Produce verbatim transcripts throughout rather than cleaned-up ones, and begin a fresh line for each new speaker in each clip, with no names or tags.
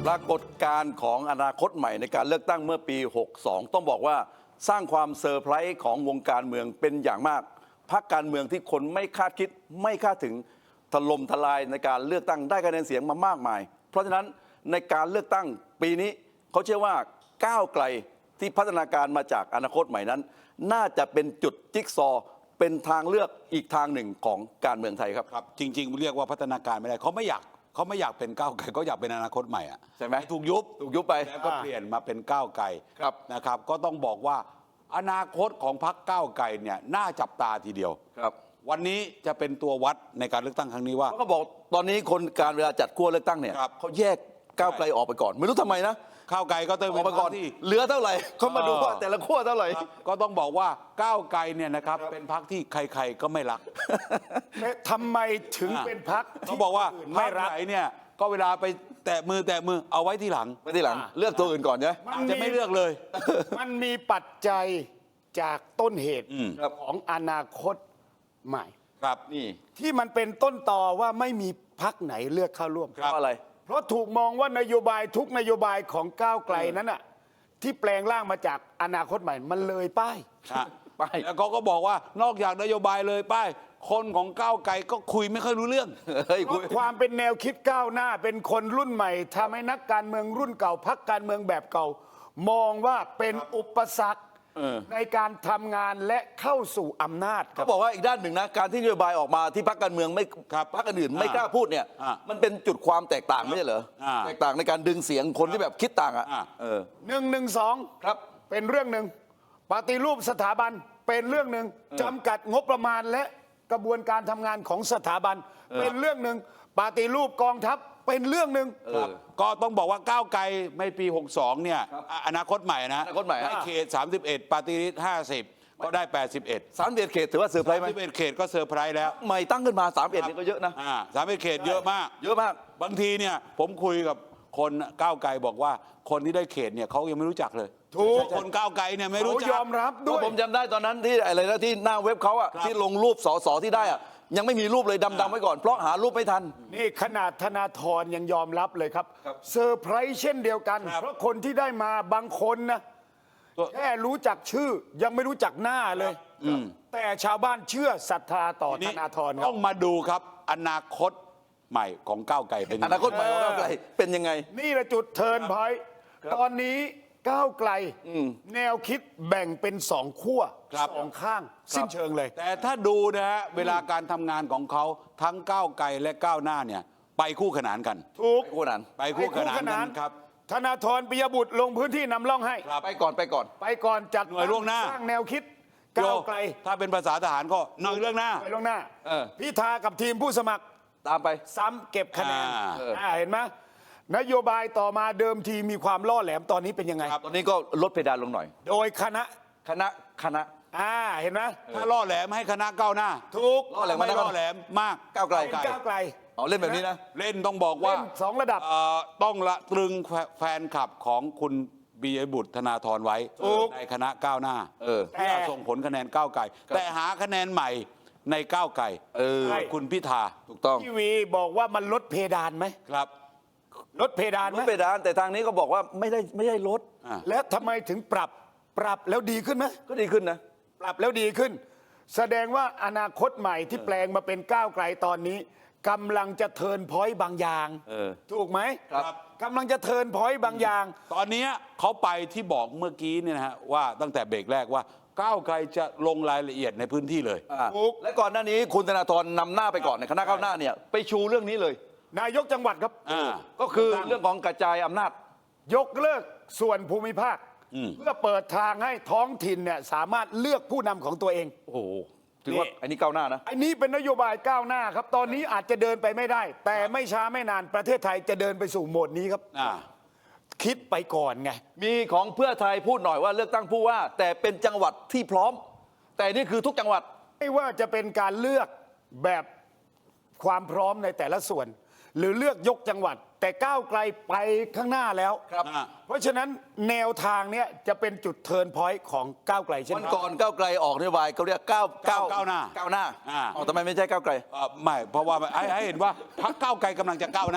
ปรากฏการณ์ของอนาคตใหม่ในการเลือกตั้งเมื่อปี หกสอง ต้องบอกว่าสร้างความเซอร์ไพรส์ของวงการเมืองเป็นอย่างมากพรรคการเมืองที่คนไม่คาดคิดไม่คาดถึงถล่มทลายในการเลือกตั้งได้คะแนนเสียงมามากมาย เพราะฉะนั้นในการเลือกตั้งปีนี้เขาเชื่อว่าก้าวไกลที่พัฒนาการมาจากอนาคตใหม่นั้นน่าจะเป็นจุดจิ๊กซอว์เป็นทางเลือกอีกทางหนึ่งของการเมืองไทยครับ
ครับจริงๆเรียกว่าพัฒนาการไม่ได้เขาไม่อยากเขาไม่อยากเป็นก้าวไกลเขาอยากเป็นอนาคตใหม่อะ
ใช่ไหม
ถูกยุบ
ถูกยุบไป
แล้วก็เปลี่ยนมาเป็นก้าวไกล
ครับ
นะครับก็ต้องบอกว่าอนาคตของพรรคก้าวไกลเนี่ยน่าจับตาทีเดียว
ครับ
วันนี้จะเป็นตัววัดในการเลือกตั้งครั้งนี้ว่า
เขาก็บอกตอนนี้คนการเวลาจัดขั้วเลือกตั้งเนี่ยเขาแยกก้าวไกลออกไปก่อนไม่รู้ทำไมนะ
ก้าวไกลก็เติม
ออกไปก่อนที่เหลือเท่าไหร่เขามาดูว่าแต่ละขั้วเท่าไหร่
ก็ต้องบอกว่าก้าวไกลเนี่ยนะครับเป็นพรรคที่ใครๆก็ไม่รัก
ทำไมถึงเป็นพรรค
เขาบอกว่าพรรคไหนเนี่ยก็เวลาไปแตะมือแตะมือเอาไว้ที่หลัง
ไว้ที่หลังเลือกตัวอื่นก่อนใช่ไหม
จะไม่เลือกเลย
มันมีปัจจัยจากต้นเหตุของอนาคตใหม่
ครับนี่
ที่มันเป็นต้นต่อว่าไม่มีพรรคไหนเลือกเข้าร่วม
เพราะอะไร
เพราะถูกมองว่านโยบายทุกนโยบายของก้าวไกลนั้นน่ะที่แปลงร่างมาจากอนาคตใหม่มันเลยป้าย
ป้ายแล้วเขาก็บอกว่านอกจากนโยบายเลยป้ายคนของก้าวไกลก็คุยไม่ค่อยรู้เรื่อง
เพราะความเป็นแนวคิดก้าวหน้าเป็นคนรุ่นใหม่ทำให้นักการเมืองรุ่นเก่าพรรคการเมืองแบบเก่ามองว่าเป็นอุปสรรคในการทำงานและเข้าสู่อำนาจ
เขาบอกว่าอีกด้านหนึ่งนะการที่นโยบายออกมาที่พรรคการเมืองไม่พรรคอื่นไม่กล้าพูดเนี่ยมันเป็นจุดความแตกต่างไม่ใช่เหรอแตกต่างในการดึงเสียงคนที่แบบคิดต่างอ่ะ
หนึ่งหนึ่งสอง
ครับ
เป็นเรื่องหนึ่งปฏิรูปสถาบันเป็นเรื่องหนึ่งจำกัดงบประมาณและกระบวนการทำงานของสถาบันเป็นเรื่องหนึ่งปฏิรูปกองทัพเป็นเรื่องหนึ่ง
ก็ต้องบอกว่าก้าวไกลไม่ปีหกสองเนี่ยอนาคตใหม่นะ
อนาคตใหม่
ได้เขตสามสิบเอ็ดปฏิริษีห้าสิบก็ได้แปดสิบเอ็ด
สามสิบเอ็ดเขตถือว่าเซอร์ไพรส์ไหม
สามสิบเอ็ดเขตก็เซอร์ไพรส์แล้ว
ใหม่ตั้งขึ้นมาสามสิบเอ็ดนี่ก็เยอะนะ
อ่าสามสิบเอ็ดเขตเยอะมาก
เยอะมาก
บางทีเนี่ยผมคุยกับคนก้าวไกลบอกว่าคนที่ได้เขตเนี่ยเขายังไม่รู้จักเลย
ถูก
คนก้าวไกลเนี่ยไม่รู้จัก
ยอมรับด้วย
ผมจำได้ตอนนั้นที่อะไรนะที่หน้าเว็บเขาอะที่ลงรูปสสที่ได้อะยังไม่มีรูปเลยดำๆไว้ก่อนเพราะหารูปไม่ทัน
นี่ขนาดธนาธรยังยอมรับเลยครับเซอร์ไพรส์เช่นเดียวกันเพราะคนที่ได้มาบางคนนะแค่รู้จักชื่อยังไม่รู้จักหน้าเลยแต่ชาวบ้านเชื่อศรัทธาต่อธนาธร
ต้องมาดูครับอนาคตใหม่ของก้าวไกลเป็น
อนาคตใหม่ของก้าวไกลเป็นยังไง
นี่แหละจุดเทิร์นพอยต์ตอนนี้ก้าวไกลแนวคิดแบ่งเป็นสองขั้วสองข้างสิ้นเชิงเลย
แต่ถ้าดูนะฮะเวลาการทำงานของเขาทั้งก้าวไกลและก้าวหน้าเนี่ยไปคู่ขนานกัน
ถูก
คู่ขนาน
ไปคู่ขนานกันครับ
ธนาธรปิยบุตรลงพื้นที่นำร่องให้
ไปก่อนไปก่อน
ไปก่อนจัด
หน่วยล่วงหน้า
สร้างแนวคิดก้าวไกล
ถ้าเป็นภาษาทหารก็หน่วยล่วงหน้า
หน่วยล่วงหน้าพิธากับทีมผู้สมัคร
ตามไป
ซ้ำเก็บคะแนนเห็นไหมนโยบายต่อมาเดิมทีมีความล่อแหลมตอนนี้เป็นยังไง
ตอนนี้ก็ลดเพดานลงหน่อย
โดยคณะ
คณะคณะ
อ่าเห็นไหม
ถ้าล่อแหลมให้คณะก้าวหน้า
ถูก
ล่อแหลม
ไม่ล่อแหลมมาก
ก้าวไกล
ก้าวไกล
อ๋อเล่นแบบนี้นะ
เล่นต้องบอกว่า
สองระดับ
ต้องละตรึงแฟนคลับของคุณปิยบุตรธนาธรไว้ในคณะก้าวหน้าเพื่อส่งผลคะแนนก้าวไกลแต่หาคะแนนใหม่ในก้าวไกลคุณพิธา
ถูกต้อง
พี่วีบอกว่ามันลดเพดานไหม
ครับ
ลดเพดานไหม
ลดเพดานแต่ทางนี้ก็บอกว่าไม่ได้ไม่ได้ลด
แล้วทำไมถึงปรับปรับแล้วดีขึ้นไหม
ก็ดีขึ้นนะ
ปรับแล้วดีขึ้นแสดงว่าอนาคตใหม่ที่แปลงมาเป็นก้าวไกลตอนนี้กำลังจะเทิร์นพอยต์บางอย่างถูกไหม
ครับ
กำลังจะเทิร์นพอยต์บางอย่าง
ตอนนี้เขาไปที่บอกเมื่อกี้เนี่ยนะฮะว่าตั้งแต่เบรกแรกว่าก้าวไกลจะลงรายละเอียดในพื้นที่เลย
และก่อนหน้านี้คุณธนาธรนำหน้าไปก่อนในคณะก้าวหน้าเนี่ยไปชูเรื่องนี้เลย
นายกจังหวัดครับ
ก็คือเรื่องของกระจายอำนาจ
ยกเลิกส่วนภูมิภาคเพื่อเปิดทางให้ท้องถิ่นเนี่ยสามารถเลือกผู้นำของตัวเอง
โอ้โหถือว่าอันนี้ก้าวหน้านะ
อันนี้เป็นนโยบายก้าวหน้าครับตอนนี้อาจจะเดินไปไม่ได้ แต่ไม่ช้าไม่นานประเทศไทยจะเดินไปสู่โหมดนี้ครับคิดไปก่อนไง
มีของเพื่อไทยพูดหน่อยว่าเลือกตั้งผู้ว่าแต่เป็นจังหวัดที่พร้อมแต่นี่คือทุกจังหวัด
ไม่ว่าจะเป็นการเลือกแบบความพร้อมในแต่ละส่วนหรือเลือกยกจังหวัดแต่ก้าวไกลไปข้างหน้าแล้วเพราะฉะนั้นแนวทางนี้จะเป็นจุดเทิร์นพอยต์ของก้าวไกลเช่น
วันก่อนก้าวไกลออกนโยบายเขาเรียกก้าวก้าว
ก้าวหน้า
ก้าวหน้าอ๋อทำไมไม่ใช่ก้าวไกล
ไม่เพราะว่าให้เห็นว่าพรรคก้าวไกลกำลังจะก้าวหน้า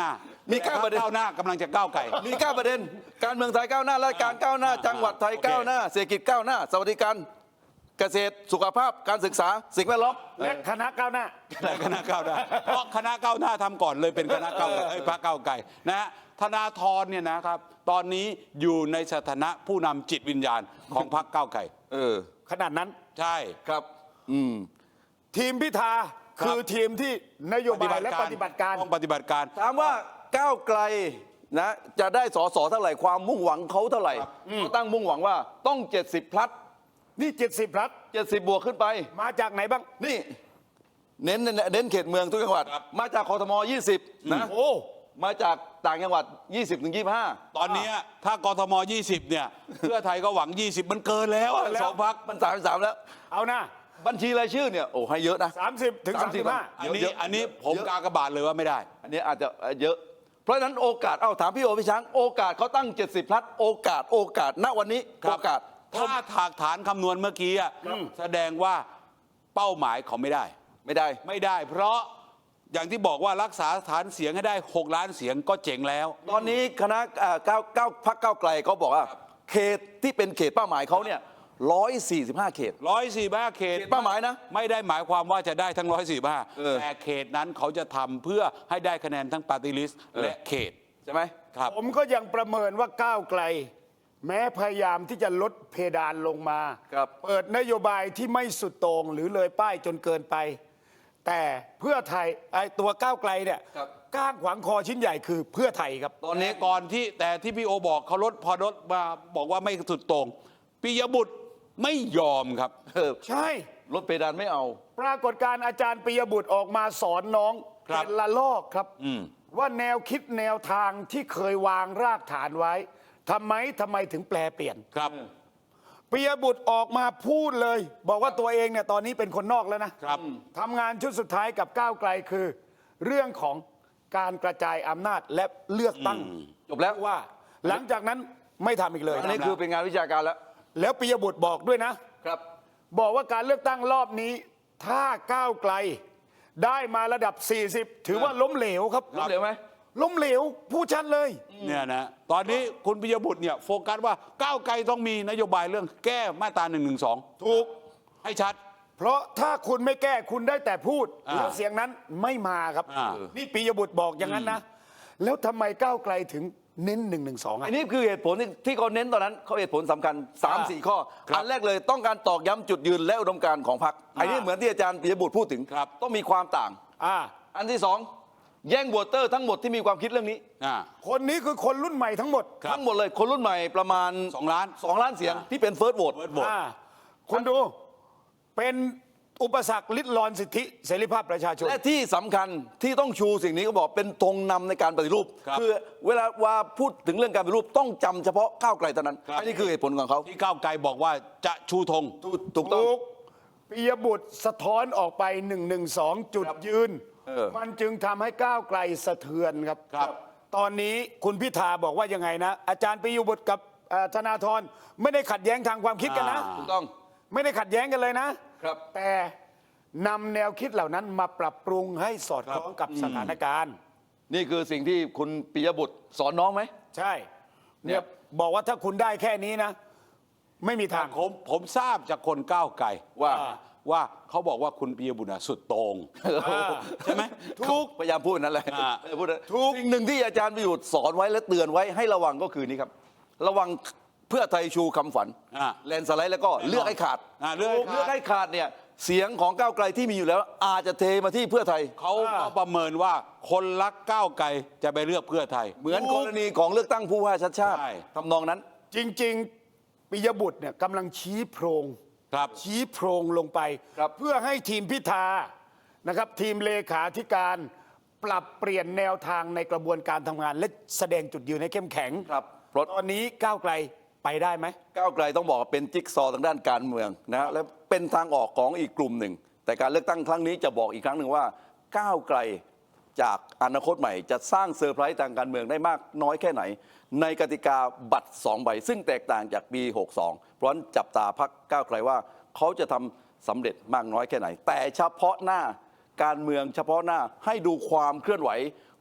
มีเก้าประเด็น
ก้าวหน้ากำลังจะก้าวไกล
มีเก้าประเด็น การเมืองไทยก้าวหน้าราชการก้าวหน้า จังหวัดไทย
โอเค
ก้าวหน้า เศรษฐกิจก้าวหน้า สวัสดิการเกษตรสุขภาพการศึกษาสิ่งแวดล้อม
และคณะก้าวหน้า
และคณะก้าวหน้าเพราะคณะก้าวหน้าทำก่อนเลยเป็นคณะก้าวไกลเอ้ยพรรคก้าวไกลนะฮะธนาธรเนี่ยนะครับ ตอนนี้อยู่ในสถานะผู้นำจิตวิญญาณของพรรคก้าวไกล
เออ
ขนาดนั้น
ใช่
ครับ อืม
ทีมพิธา
ครับ
คือทีมที่นโยบายและปฏิบัติการ
ต้องปฏิบัติการ
ถามว่าก้าวไกลนะจะได้สอสอเท่าไหร่ความมุ่งหวังเขาเท่าไหร่เขาตั้งมุ่งหวังว่าต้อง เจ็ดสิบ พลัด
นี่เจ็ดสิบพลัด
เจ็ดสิบ บวกขึ้นไป
มาจากไหนบ้าง
นี่ เน้นเน้นเขตเมืองทุกจังหวัด
ครับ
มาจากคทมยี่สิบนะ
โอ้
มาจากต่างจังหวัด ยี่สิบถึงยี่สิบห้า
ตอนเนี้ยถ้ากทมยี่สิบเนี่ย เพื่อไทยก็หวังยี่สิบมันเกินแล้วอะสองพรรค
มันสามสามแล้ว
เอานะ
บัญชีรายชื่อเนี่ยโอ้ให้เยอะนะ
สามสิบถึงสามสิบห้า
อันนี้
เยอะ
อันนี้ผม
เยอะ
กากบาทเลยว่าไม่ได้
อันนี้อาจจะเยอะ เพราะฉะนั้นโอกาส เอาถามพี่โอพี่ช้าง โอกาสเขาตั้ง เจ็ดสิบ พลัด โอกาส โอกาส ณ วันนี้
ครับ
โอกาส
ถ้าถากฐานคำนวณเมื่อกี้อะแสดงว่าเป้าหมายเขาไม่ได้
ไม่ได้
ไม่ได้ เพราะอย่างที่บอกว่ารักษาฐานเสียงให้ได้หกล้านเสียงก็เจ๋งแล้ว
ตอนนี้คณะเอ่อก้าวก้าวพักก้าวไกลเขาบอกว่า เขตที่เป็นเขตเป้าหมายเขาเนี่ยร้อยสี่สิบห้าเขต
ร้อยสี่ห้าเขต
เขตเป้าหมายนะ
ไม่ได้หมายความว่าจะได้ทั้งร้อยสี่ห้า
เออ
แต่เขตนั้นเขาจะทำเพื่อให้ได้คะแนนทั้งปาร์ตี้ลิสต์และเขต
ใช่ไหม
ครับ
ผมก็ยังประเมินว่าก้าวไกล แม้พยายามที่จะลดเพดานลงมา
ครับ
เปิดนโยบายที่ไม่สุดโต่งหรือเลยป้ายจนเกินไป แต่เพื่อไทยไอ้ตัวก้าวไกลเนี่ย
ครับ
ก้างขวางคอชิ้นใหญ่คือเพื่อไทยครับ
ตอนนี้
แต่ก่อนที่แต่ที่พี่โอบอกเขาลดพอลดมาบอกว่าไม่สุดโต่งปิยบุตรไม่ยอมครับ
เออ
ใช่
ลดเพดานไม่เอา
ปรากฏการณ์อาจารย์ปิยบุตรออกมาสอนน้อง
ครับ
เป็นละลอกครับ ว่าแนวคิดแนวทางที่เคยวางรากฐานไว้ทำไมทำไมถึงแปลเปลี่ยน
ครับ
ปิยบุตรออกมาพูดเลย บอกว่าตัวเองเนี่ยตอนนี้เป็นคนนอกแล้วนะครับ ทำงานชุดสุดท้ายกับก้าวไกลคือ เรื่องของการกระจายอำนาจและเลือกตั้ง
จบแล้ว
ว่า หลังจากนั้นไม่ทำอีกเลย
อันนี้คือเป็นงานวิชาการแล้ว
แล้วปิยบุตรบอกด้วยนะ
ครับ
บอกว่าการเลือกตั้งรอบนี้ ถ้าก้าวไกล ได้มาระดับ สี่สิบ ถือว่าล้มเหลวครับ
ล้มเหลวไหม
ล้มเหลวพูดชัดเลย
เนี่ยนะตอนนี้คุณปิยบุตรเนี่ยโฟกัสว่าก้าวไกลต้องมีนโยบายเรื่องแก้มาตราหนึ่งหนึ่งสอง
ถูก
ให้ชัด
เพราะถ้าคุณไม่แก้คุณได้แต่พูด
อ่า
แล้วเสียงนั้นไม่มาครับ
อ่า
นี่ปิยบุตรบอกอย่างนั้นนะ แล้วทำไมก้าวไกลถึงเน้นหนึ่งหนึ่งสองอ่ะ
อันนี้คือเหตุผลที่ที่เขาเน้นตอนนั้นเขาเหตุผลสำคัญ 3
อ่า
4 ข้อ
ครับ
อันแรกเลยต้องการตอกย้ำจุดยืนและอุดมการณ์ของพรรคอันนี้เหมือนที่อาจารย์ปิยบุตรพูดถึง
ครับ
ต้องมีความต่าง
อ่า
อันที่สองแย่งโหวตเตอร์ทั้งหมดที่มีความคิดเรื่องนี้
อ่า
คนนี้คือคนรุ่นใหม่ทั้งหมด
ครับ
ทั้งหมดเลยคนรุ่นใหม่ประมาณ
สองล้าน
สองล้านเสียง
อ่า
ที่เป็นเฟิร์สโหวต
เวิร์ดโหวต
อ่าคุณดู เป็นอุปสรรคลิดรอนสิทธิเสรีภาพประชาชน
และที่สำคัญที่ต้องชูสิ่งนี้ก็บอกเป็นธงนำในการปฏิรูป
ครับ
อเวลาว่าพูดถึงเรื่องการปฏิรูปต้องจำเฉพาะก้าวไกลเท่านั้น
ครับ
อันนี้คือเหตุผลของเขา
ที่ก้าวไกลบอกว่าจะชูธง
ถูกถูกต้อง
ถูกปิยบุตรสะท้อนออกไปหนึ่งหนึ่งสองจุดยืน
เออ
มันจึงทำให้ก้าวไกลสะเทือนครับ
ครับ
ตอนนี้คุณพิธาบอกว่ายังไงนะ อาจารย์ปิยบุตรกับเอ่อธนาธรไม่ได้ขัดแย้งทางความคิดกันนะ
อ่า
ถูกต้อง
ไม่ได้ขัดแย้งกันเลยนะ
ครับ
แต่นำแนวคิดเหล่านั้นมาปรับปรุงให้สอดคล้องกับสถานการณ์
นี่คือสิ่งที่คุณปิยบุตรสอนน้องไหม
ใช่เนี่ยบอกว่าถ้าคุณได้แค่นี้นะ ไม่มีทาง
ผมผมทราบจากคนก้าวไกล
ว่า
ว่าเขาบอกว่าคุณปิยบุตรน่ะสุดโต่งใช่ไหม
ถูก
พยายามพูดนั่นแหละ
อ่า
เออพูดนั่น
ถูก
สิ่งหนึ่งที่อาจารย์ประยุทธ์สอนไว้และเตือนไว้ให้ระวังก็คือนี่ครับ ระวังเพื่อไทยชูคำฝัน
อ่า
แลนด์สไลด์แล้วก็เลือกให้ขาด
อ่าเลือกให้ขาด
เลือกให้ขาดเนี่ยเสียงของก้าวไกลที่มีอยู่แล้ว อาจจะเทมาที่เพื่อไทย
เขาก็ประเมินว่าคนรักก้าวไกลจะไปเลือกเพื่อไทย
เหมือนกรณีของเลือกตั้งผู้ว่าชัดชาติ
ใช่
ทำนองนั้น
จริง ๆปิยบุตรเนี่ยกำลังชี้โพรง
ครับ
ชี้โพรงลงไป
ครับ
เพื่อให้ทีมพิธานะครับ ทีมเลขาธิการปรับเปลี่ยนแนวทางในกระบวนการทำงาน และแสดงจุดยืนให้เข้มแข็ง
ครับเพราะ
ตอนนี้ก้าวไกลไปได้ไหม
ก้าวไกลต้องบอกว่าเป็นจิ๊กซอว์ทางด้านการเมืองนะและเป็นทางออกของอีกกลุ่มหนึ่ง แต่การเลือกตั้งครั้งนี้จะบอกอีกครั้งหนึ่งว่าก้าวไกลจากอนาคตใหม่จะสร้างเซอร์ไพรส์ทางการเมืองได้มากน้อยแค่ไหน ในกติกาบัตรสองใบ ซึ่งแตกต่างจากปี หกสอง เพราะฉะนั้นจับตาพักก้าวไกลว่าเขาจะทำสำเร็จมากน้อยแค่ไหน แต่เฉพาะหน้าการเมืองเฉพาะหน้าให้ดูความเคลื่อนไหว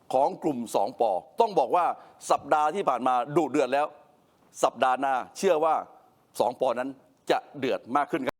ของกลุ่มสองปอต้องบอกว่าสัปดาห์ที่ผ่านมาดุเดือดแล้ว สัปดาห์หน้าเชื่อว่าสองปอนั้นจะเดือดมากขึ้นครับ